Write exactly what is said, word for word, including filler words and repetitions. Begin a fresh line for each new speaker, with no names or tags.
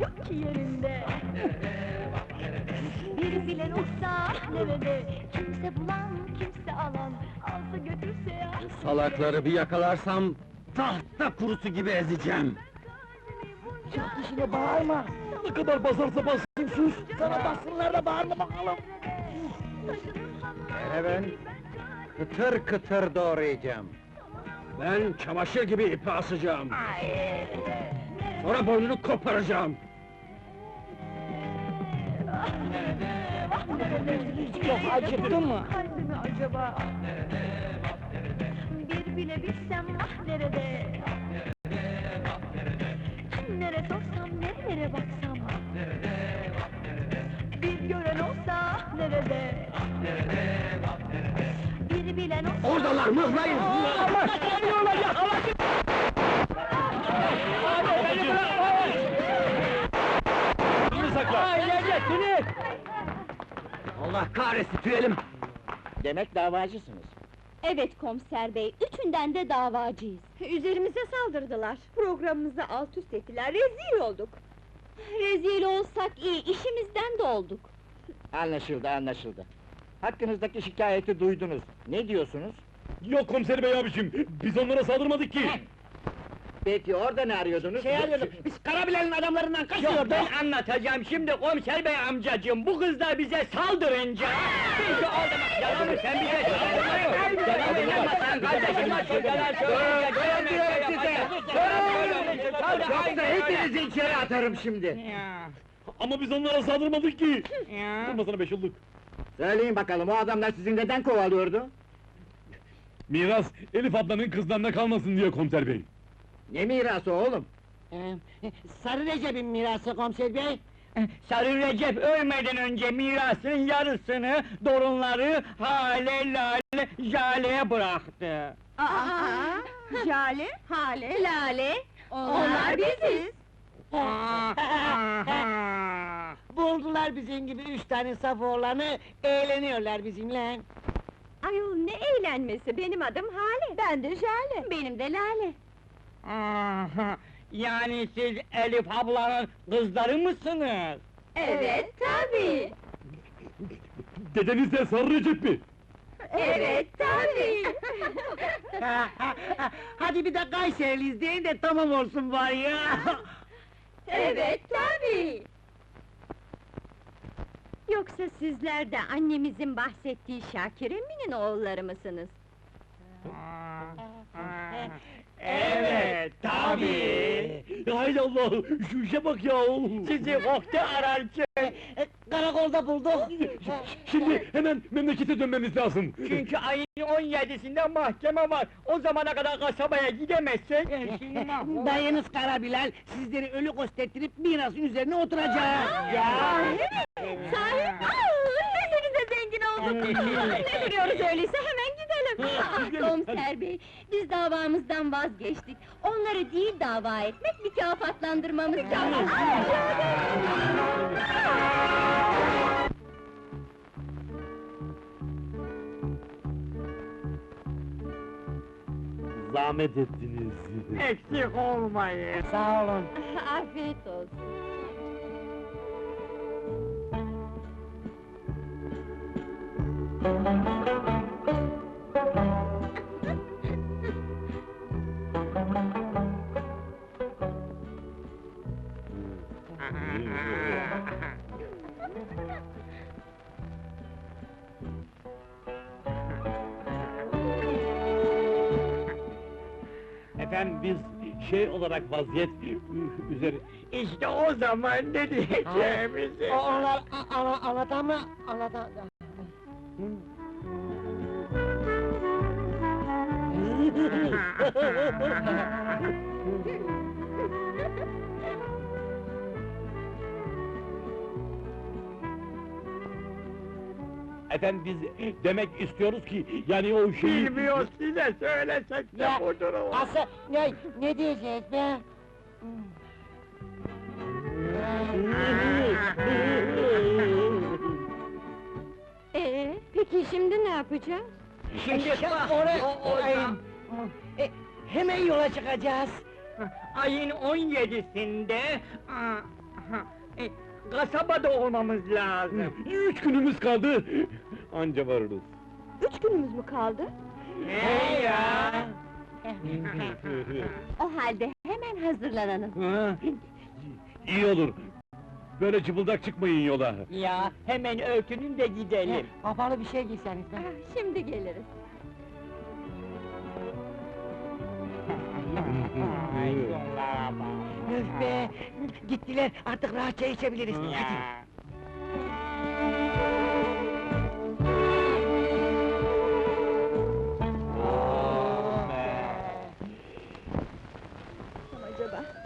yok ki yerinde. Bir bilen olsa nerede, kimse bulan, kimse alan, alsa götürse ya.
Salakları bir yakalarsam, tahta kurusu gibi ezeceğim!
Çok dişine bağırma! Ne kadar basarsa bassın sus! Sana bassınlar da bağırma bakalım!
Hele ben, kıtır kıtır doğrayacağım! Ben çamaşır gibi ipi asacağım! Sonra boynunu koparacağım!
Çok acıktı mı?
Kalbimi acaba? Bir bile bilsem ah nerede? Nere sorsam, nerelere baksam? Bir gören olsa nerede? Bir bilen olsa...
Oradalar, mıhlayın!
Ama geliyorlar ya! Hava
Allah kahretsin, tüyelim!
Demek davacısınız.
Evet komiser bey, üçünden de davacıyız. Üzerimize saldırdılar, programımızı alt üst ettiler, rezil olduk. Rezil olsak iyi, işimizden de olduk.
Anlaşıldı, anlaşıldı. Hakkınızdaki şikayeti duydunuz. Ne diyorsunuz?
Yok komiser bey abicim, biz onlara saldırmadık ki!
Peki orada ne arıyordunuz?
Şey arıyorduk, biz Karabilen'in adamlarından
Yok,
kaçıyorduk!
ben
anlatacağım şimdi komiser bey amcacığım, bu kızlar bize saldırınca... Biz de orada... Yalan mı, sen bize saldırmıyorsun! Yalan inanmasan kardeşim, şu yalan söyleyince...
Yoksa hepinizi içeri atarım şimdi!
Ama biz onlara saldırmadık ki! Durmasana beş yıllık!
Söyleyin bakalım, o adamlar sizi neden kovalıyordu?
Miras, Elif ablanın kızlarına kalmasın diye komiser bey!
Ne mirası oğlum?
Sarı Recep'in mirası komiser bey! Sarı Recep ölmeden önce mirasının yarısını, torunları Hale, Lale, Jale'ye bıraktı!
Aa, Jale, Hale, Lale, onlar biziz!
Buldular bizim gibi üç tane saf oğlanı, eğleniyorlar bizimle!
Ayol ne eğlenmesi, benim adım Hale! Ben de Jale! Benim de Lale!
Aha, yani siz Elif ablanın kızları mısınız?
Evet, tabii!
Dedeniz de Sarı Recep mi?
Evet, tabii!
Hadi bir de Kayseriliyiz deyin de tamam olsun bari ya!
Evet, tabii! Yoksa sizler de annemizin bahsettiği Şakir Emin'in oğulları mısınız?
Evet, tabii!
Hay Allah, şu işe bak ya!
Sizi kokte ararken karakolda bulduk!
Şimdi hemen memlekete dönmemiz lazım!
Çünkü ayın on yedisinde mahkeme var! O zamana kadar kasabaya gidemezsek... Dayınız Karabilal, sizleri ölü kostettirip mirasın üzerine oturacak! Ya!
Sahi? Desenize zengin olduk! Ne duruyoruz öyleyse, hemen gidelim! Ah, komiser bey, biz davamızdan vazgeçtik. Onları değil dava etmek, mükafatlandırmamız lazım!
Zahmet ettiniz!
Eksik olmayın! Sağ olun!
Afiyet olsun!
Efendim biz şey olarak vaziyet üzeri...
İşte o zaman ne diyeceğimizi...
Onlar ana anlatan mı? Anlatan...
Efendim biz demek istiyoruz ki, yani o şeyi...
Bilmiyoruz, size söylesek de
Ya,
budur o!
Asıl ne, ne diyeceğiz be?
Ee, peki şimdi ne yapacağız?
Şimdi bak,
oraya-
o, o,
Ay- E, hemen yola çıkacağız.
ayın on yedisinde... aha, E, kasabada olmamız lazım.
Üç günümüz kaldı. Anca varırız.
Üç günümüz mü kaldı?
He ya!
O halde hemen hazırlanalım.
Ha? İyi olur. Böyle cıbıldak çıkmayın yola.
Ya, hemen örtünün de gidelim.
Kapalı bir şey giyseniz de.
Ah, şimdi geliriz.
Öf be! Gittiler, artık rahatça içebiliriz. Hadi.